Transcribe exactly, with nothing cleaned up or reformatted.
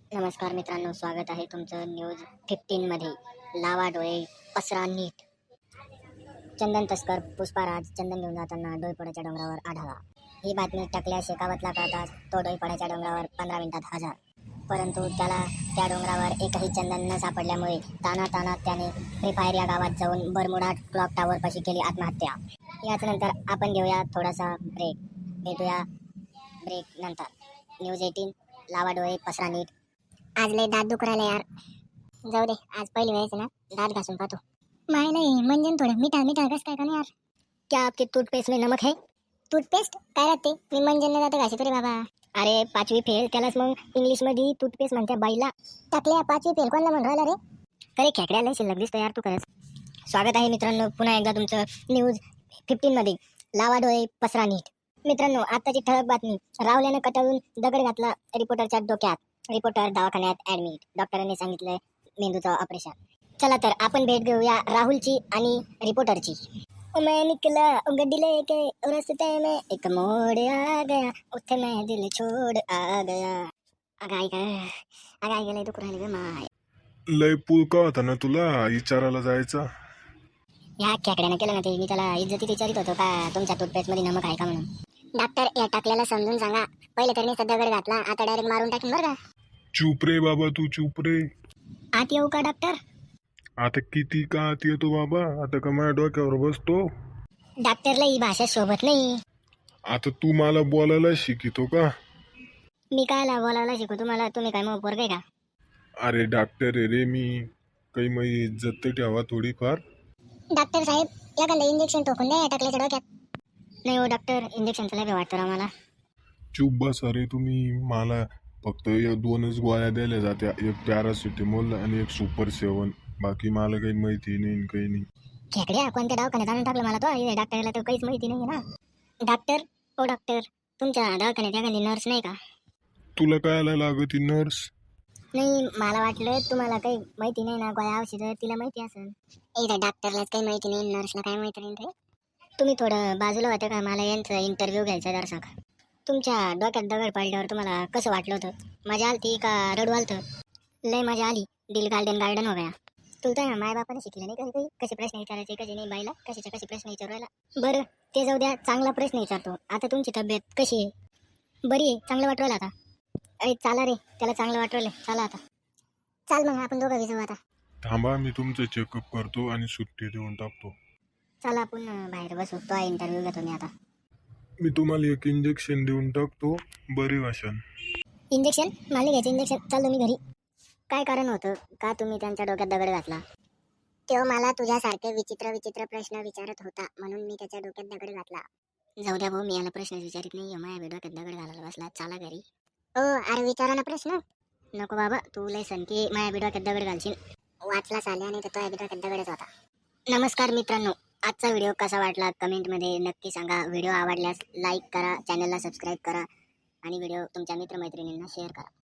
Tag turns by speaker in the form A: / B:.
A: नमस्कार मित्रांनो, स्वागत आहे तुमचं न्यूज फिफ्टीन मध्ये. लावा डोळे पसरा नीट. चंदन तस्कर पुष्पाराज चंदन घेऊन जाताना डोईपड्याच्या डोंगरावर आढळला. ही बातमी टाकल्या शेकावतला कळताच तो डोईपड्याच्या डोंगरावर पंधरा मिनिटात हजर. परंतु त्याला त्या डोंगरावर एकही चंदन न सापडल्यामुळे ताना ताना त्याने फ्री फायर या गावात जाऊन बरमुडा क्लॉक टावर पाशी केली आत्महत्या. याच नंतर आपण घेऊया थोडासा ब्रेक. भेटूया ब्रेक नंतर. न्यूज एटीन लावा डोळे पसरा नीट. आज लय दात दुख राहिले यार. जाऊ दे, आज पहिली वेळेस ना दात घासून पाहतो. माय नाही म्हणजे थोडं मिठा मिठा कस काय का यार. क्या आपके टूथपेस्ट में नमक है? टूथपेस्ट काय राहते? मी मंजन जाते घाशी तरी बाबा. अरे पाचवी फेल, त्यालाच मग इंग्लिश मध्ये टूथपेस्ट म्हणते बाईला. टाकल्या पाचवी फेल कोणाला म्हणून राहिला रे? अरे खेकड्याला शिल्लक दिसतो यार तू खरंच. स्वागत आहे मित्रांनो पुन्हा एकदा तुमचं न्यूज फिफ्टीन मध्ये. लावा डोळे पसरा नीट. मित्रांनो, आताची ठळक बातमी. रावल्यानं कटाळून दगड घातला रिपोर्टरच्या डोक्यात. रिपोर्टर दवाखान्यात ऍडमिट. डॉक्टरांनी सांगितलंय मेंदूचं ऑपरेशन. चला तर आपण भेट घेऊया राहुलची आणि रिपोर्टरची. मैं निकला गड्डी लेके रस्ते में एक मोड़ आ गया, उठे मैं दिल छोड़ आ गया. अगाई ग अगाई गेले दुख राहिले ग माय.
B: लय पुळका होता ना तुला विचारायला जायचा.
A: ह्या खेकड्यानं केलं ना ते. मी त्याला इज्जतीत विचारित होतो का तुमच्या टूथपेस्ट मध्ये नमक आहे का म्हणून. डॉक्टर या टाकल्याला समजून सांगा. पहिले तर मी दगड घातला, आता डायरेक्ट मारून टाकीन बरं का.
B: चुप रे बाबा, तू चुप रे.
A: आत येऊ का डॉक्टर?
B: आता किती का आत येतो बाबा? आता का माझ्या डोक्यावर बसतो?
A: डॉक्टरला ही भाषा शोभत नाही.
B: आता तू मला बोलायला शिकितो का?
A: मी कायला बोलायला शिकू तुम्हाला? तुम्ही काय मग पोरगे का?
B: अरे डॉक्टर आहे रे मी. काही मग इज्जत तर ठेवा थोडीफार.
A: डॉक्टर साहेब एखादं इंजेक्शन टोकून द्या टाकल्याच्या डोक्यात. नाही हो डॉक्टर, इंजेक्शनचं लय वाटतं आम्हाला.
B: चुप बस. अरे तुम्ही मला फक्त या दोनच गोळ्या द्यायला जात्या. एक पॅरासिटेमॉल आणि एक सुपर सेवन. बाकी मला काही माहिती नाही काही नाही.
A: खेकड्या कोणत्या दवाखान्यात आणून टाकलं मला तो? डॉक्टरला तर काहीच माहिती नाही ना. डॉक्टर ओ डॉक्टर, तुमच्या दवाखान्यात एखादी नर्स नाही का?
B: तुला काय लागती नर्स?
A: नाही, मला वाटलं तुम्हाला काही माहिती नाही ना गोळ्या औषधं तिला माहिती असेल. एकदा डॉक्टरलाच काही माहिती नाही, नर्सला काय माहिती नाही रे. तुम्ही थोडं बाजूला होतं का? मला यांचा इंटरव्ह्यू घ्यायचा जरासा. तुमच्या डोक्यात दगड पडल्यावर तुम्हाला कसं वाटलं होतं? मजा आलती का रडू आलतं? लय मजा आली. दिल गार्डन गार्डन हो गया. तुला तर माय बापाने शिकलं नाही कधी काही कसे प्रश्न विचारायचे कसे नाही बाईला कशाचे कसे प्रश्न विचारायला. बरं ते जाऊ द्या, चांगला प्रश्न विचारतो. आता तुमची तब्येत कशी आहे? बरी आहे? चांगलं वाटवलं आता? अरे चाला रे, त्याला चांगलं वाटवलं. चला आता चाल मग आपण दोघं जाऊ आता.
B: थांबा, मी तुमचं चेकअप करतो आणि सुट्टी देऊन टाकतो.
A: चला आपण बाहेर बसू. तो इंटरव्ह्यू घेतो मी आता.
B: मी तुम्हाला एक इंजेक्शन देऊन टाकतो, बरे वाशन.
A: इंजेक्शन? मला घ्यायचं इंजेक्शन? चाललो मी घरी. काय कारण होतं का तुम्ही त्यांच्या डोक्यात दगड घातला? तो मला तुझ्यासारखे विचित्र विचित्र प्रश्न विचारत होता म्हणून मी त्याच्या डोक्यात दगड घातला. जाऊ द्या भाऊ, मी याला प्रश्न विचारित नाही. माझ्या डोक्यात दगड घालायला बसला. चला घरी. ओ अरे विचारा ना प्रश्न. नको बाबा, तू लय की माझ्या डोक्यात दगड घालशील. वाचला चालल्या नाही तर तो डोक्यात दगडच होता. नमस्कार मित्रांनो, आजचा व्हिडिओ कसा वाटला कमेंटमध्ये नक्की सांगा. व्हिडिओ आवडल्यास लाईक करा, चॅनलला सबस्क्राईब करा आणि व्हिडिओ तुमच्या मित्रमैत्रिणींना शेअर करा.